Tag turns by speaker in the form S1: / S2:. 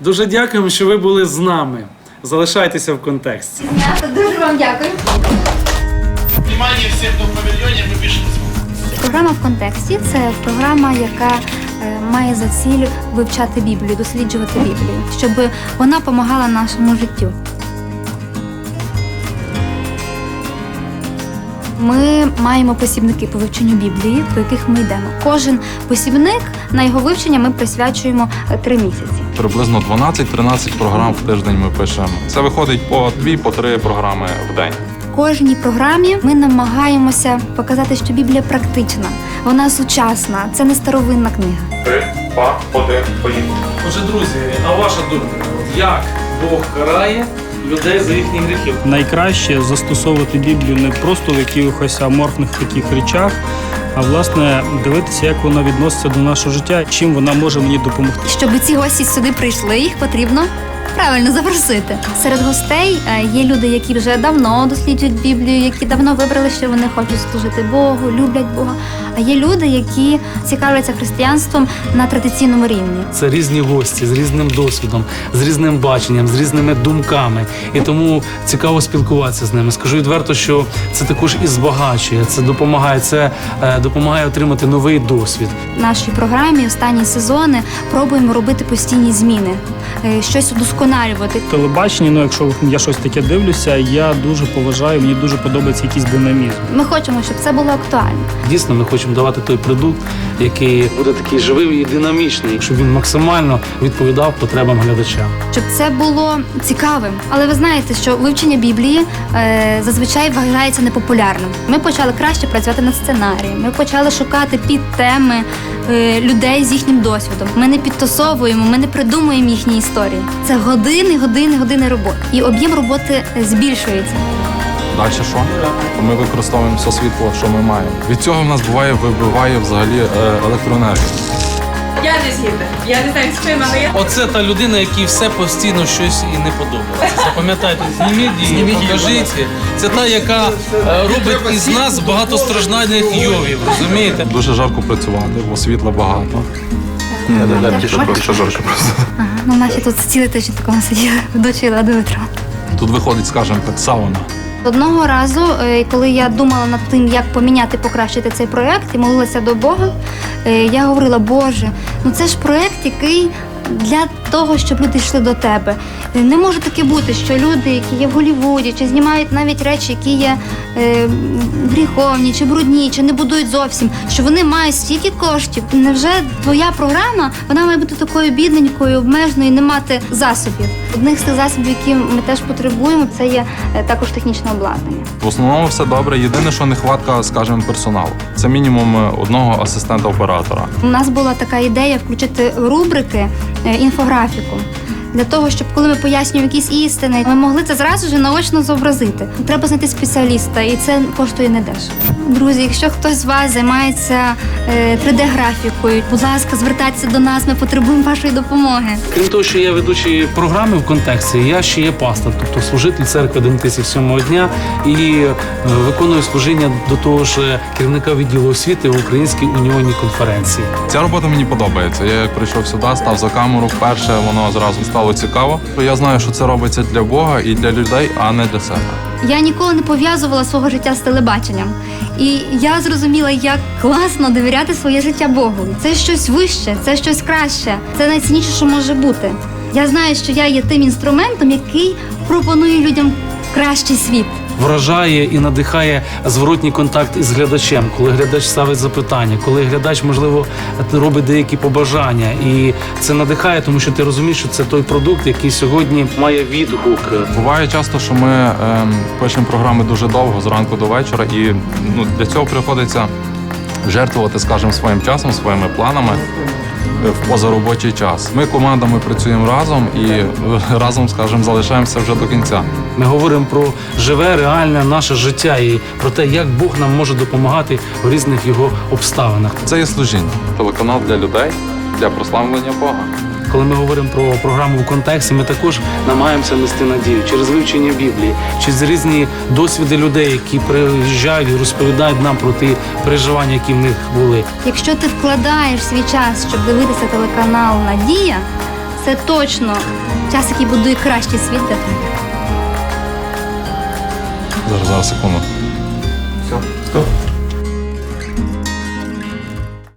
S1: Дуже дякуємо, що ви були з нами. Залишайтеся в контексті.
S2: Дуже вам дякую.
S3: Внимание всем, кто в павильоне, мы пишем звук.
S2: Програма «В контексті» – це програма, яка має за ціль вивчати Біблію, досліджувати Біблію, щоб вона допомагала нашому життю. Ми маємо посібники по вивченню Біблії, по яких ми йдемо. Кожен посібник, на його вивчення ми присвячуємо 3 місяці.
S4: Приблизно 12-13 програм в тиждень ми пишемо. Це виходить по 2-3 програми в день.
S2: В кожній програмі ми намагаємося показати, що Біблія практична, вона сучасна, це не старовинна книга.
S4: 3, 2, 1, поїхали.
S1: Отже, друзі, а ваша думка, як Бог карає людей за їхні гріхи?
S5: Найкраще застосовувати Біблію не просто в якихось аморфних таких речах, а власне дивитися, як вона відноситься до нашого життя, чим вона може мені допомогти.
S2: Щоб ці гості сюди прийшли, їх потрібно правильно запросити. Серед гостей є люди, які вже давно досліджують Біблію, які давно вибрали, що вони хочуть служити Богу, люблять Бога. А є люди, які цікавляться християнством на традиційному рівні.
S1: Це різні гості з різним досвідом, з різним баченням, з різними думками. І тому цікаво спілкуватися з ними. Скажу відверто, що це також і збагачує, це допомагає отримати новий досвід.
S2: В нашій програмі останні сезони пробуємо робити постійні зміни, щось удосконалювати.
S5: Телебачення, якщо я щось таке дивлюся, я дуже поважаю, мені дуже подобається якийсь динамізм.
S2: Ми хочемо, щоб це було актуально.
S1: Дійсно, ми хочемо давати той продукт, який буде такий живий і динамічний, щоб він максимально відповідав потребам глядача.
S2: Щоб це було цікавим. Але ви знаєте, що вивчення Біблії зазвичай вважається непопулярним. Ми почали краще працювати над сценарієм, ми почали шукати підтеми людей з їхнім досвідом. Ми не підтасовуємо, ми не придумуємо їхні історії. Це години роботи. І об'єм роботи збільшується.
S4: Далі що? Ми використовуємо все світло, що ми маємо. Від цього в нас вибиває взагалі електроенергію.
S6: Я не згідна. Я не знаю, з чим, але я...
S7: Оце та людина, якій все постійно щось і не подобається. Запам'ятайте, зніміть її, покажіть. Це та, яка робить із нас багатостраждальних йовів, розумієте?
S4: Дуже жарко працювати, бо світла багато. Що жарко просто.
S2: Ага, ну наші тут цілий тиждень такому сиділи, дочила до витру.
S4: Тут виходить, скажімо так, сауна.
S2: Одного разу, коли я думала над тим, як поміняти, покращити цей проєкт і молилася до Бога, я говорила: Боже, ну це ж проєкт, який для того, щоб люди йшли до тебе. Не може таке бути, що люди, які є в Голлівуді, чи знімають навіть речі, які є гріховні, чи брудні, чи не будують зовсім, що вони мають стільки коштів. Невже твоя програма, вона має бути такою бідненькою, обмеженою, не мати засобів? Одних з тих засобів, які ми теж потребуємо, це є також технічне обладнання.
S4: В основному все добре. Єдине, що нехватка, скажімо, персоналу. Це мінімум одного асистента-оператора.
S2: У нас була така ідея включити рубрики, інфографіку. Для того, щоб коли ми пояснюємо якісь істини, ми могли це зразу ж наочно зобразити. Треба знайти спеціаліста, і це коштує недешево. Друзі, якщо хтось з вас займається 3D-графікою, будь ласка, звертайтеся до нас, ми потребуємо вашої допомоги.
S1: Крім того, що я ведучий програми в контексті, я ще є пастор, тобто служитель церкви Адвентистів 7-го дня і виконую служіння до того ж керівника відділу освіти в Українській унійній конференції.
S4: Ця робота мені подобається. Я як прийшов сюди, став за камеру вперше, воно зразу стало цікаво. Я знаю, що це робиться для Бога і для людей, а не для себе.
S2: Я ніколи не пов'язувала свого життя з телебаченням. І я зрозуміла, як класно довіряти своє життя Богу. Це щось вище, це щось краще, це найцінніше, що може бути. Я знаю, що я є тим інструментом, який пропонує людям кращий світ.
S1: Вражає і надихає зворотній контакт із глядачем, коли глядач ставить запитання, коли глядач, можливо, робить деякі побажання. І це надихає, тому що ти розумієш, що це той продукт, який сьогодні має відгук.
S4: Буває часто, що ми пишемо програми дуже довго, зранку до вечора, і для цього приходиться жертвувати, скажімо, своїм часом, своїми планами в позаробочий час. Ми командами працюємо разом і разом, скажімо, залишаємося вже до кінця.
S1: Ми говоримо про живе, реальне наше життя і про те, як Бог нам може допомагати в різних його обставинах.
S4: Це є служіння. Телеканал для людей, для прославлення Бога.
S1: Коли ми говоримо про програму в контексті, ми також намагаємося нести надію через вивчення Біблії, через різні досвіди людей, які приїжджають і розповідають нам про ті переживання, які в них були.
S2: Якщо ти вкладаєш свій час, щоб дивитися телеканал «Надія», це точно час, який будує кращий світ для тебе.
S4: Зараз, секунду. Все, стоп.